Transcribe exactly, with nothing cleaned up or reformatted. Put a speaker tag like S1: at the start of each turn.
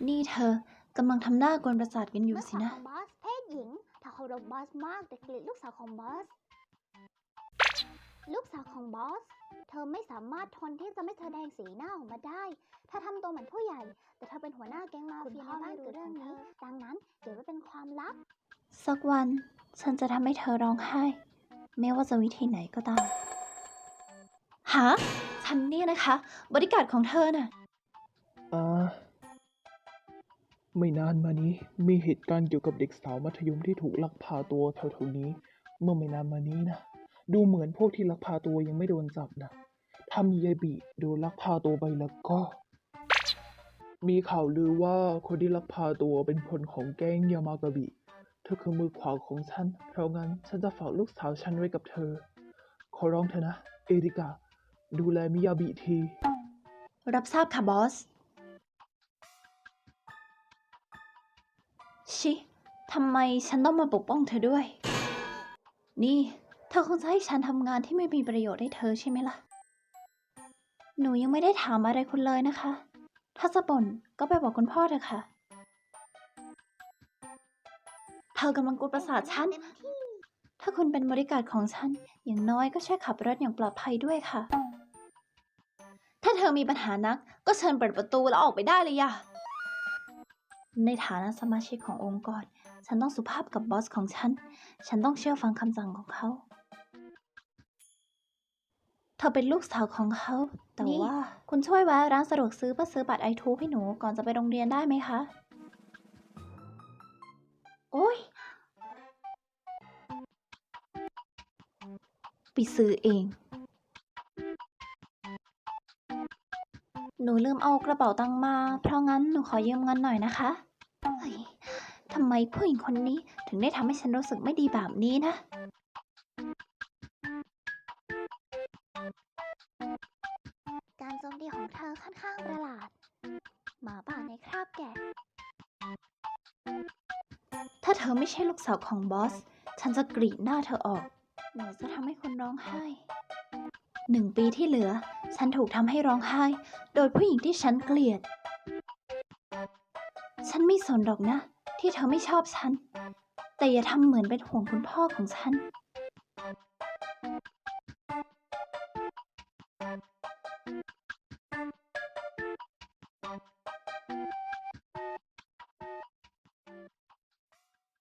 S1: นี่เธอกำลังทำหน้ากวนประสาทกันอยู่สินะ
S2: ลูกสาวของบอสเพศหญิงเธอเคารพบอสมากแต่เกลียดลูกสาวของบอสลูกสาวของบอสเธอไม่สามารถทนที่จะไม่แสดงสีหน้าออกมาได้เธอทำตัวเหมือนผู้ใหญ่แต่เธอเป็นหัวหน้าแก๊งมาเฟียในบ้านเกิดเรื่องนี้ดังนั้นเก็บไว้เป็นความลับ
S1: สักวันฉันจะทำให้เธอร้องไห้ไม่ว่าจะวิธีไหนก็ตามหาฉันเนี่ยนะคะบริการของเธอน่ะ
S3: อ่าไม่นานมานี้มีเหตุการณ์เกี่ยวกับเด็กสาวมัธยมที่ถูกลักพาตัวแถวๆนี้ เมื่อไม่นานมานี้นะดูเหมือนพวกที่ลักพาตัวยังไม่โดนจับนะถ้ามียายบิโดนลักพาตัวไปแล้วก็ มีข่าวลือว่าคนที่ลักพาตัวเป็นคนของแก๊งยามากาบิเธอคือมือขวาของฉันเพราะงั้นฉันจะฝากลูกสาวฉันไว้กับเธอขอร้องเธอนะเอริกาดูแลมิยาบิที
S1: รับทราบค่ะบอสชิทำไมฉันต้องมาปกป้องเธอด้วย นี่เธอคงจะให้ฉันทำงานที่ไม่มีประโยชน์ให้เธอใช่ไหมล่ะ หนูยังไม่ได้ถามอะไรคุณเลยนะคะ ถ้าจะบ่นก็ไปบอกคุณพ่อเถอะค่ะ เธอกำลังกวนประสาทฉัน ถ้าคุณเป็นบริการของฉัน อย่างน้อยก็ช่วยขับรถอย่างปลอดภัยด้วยค่ะ ถ้าเธอมีปัญหานักก็เชิญเปิดประตูแล้วออกไปได้เลยย่ะ ในฐานะสมาชิกขององค์กร ฉันต้องสุภาพกับบอสของฉัน ฉันต้องเชื่อฟังคำสั่งของเขา เธอเป็นลูกสาวของเขา แต่ว่าคุณช่วยแวะร้านสะดวกซื้อเพื่อซื้อบัตรไอทูให้หนูก่อนจะไปโรงเรียนได้ไหมคะ โอ๊ยไปซื้อเอง หนูลืมเอากระเป๋าตังค์มา เพราะงั้นหนูขอยืมเงินหน่อยนะคะเฮ้ยทำไมผู้หญิงคนนี้ถึงได้ทำให้ฉันรู้สึกไม่ดีแบบนี้นะ
S2: การโจมตีของเธอค่อนข้างประหลาดหมาป่าในคราบแกะ
S1: ถ้าเธอไม่ใช่ลูกสาวของบอส ฉันจะกรีดหน้าเธอออก หนูจะทำให้คุณร้องไห้ หนึ่งปีที่เหลือ ฉันถูกทำให้ร้องไห้ โดยผู้หญิงที่ฉันเกลียด ฉันไม่สนหรอกนะ ที่เธอไม่ชอบฉัน แต่อย่าทำเหมือนเป็นห่วงคุณพ่อของฉัน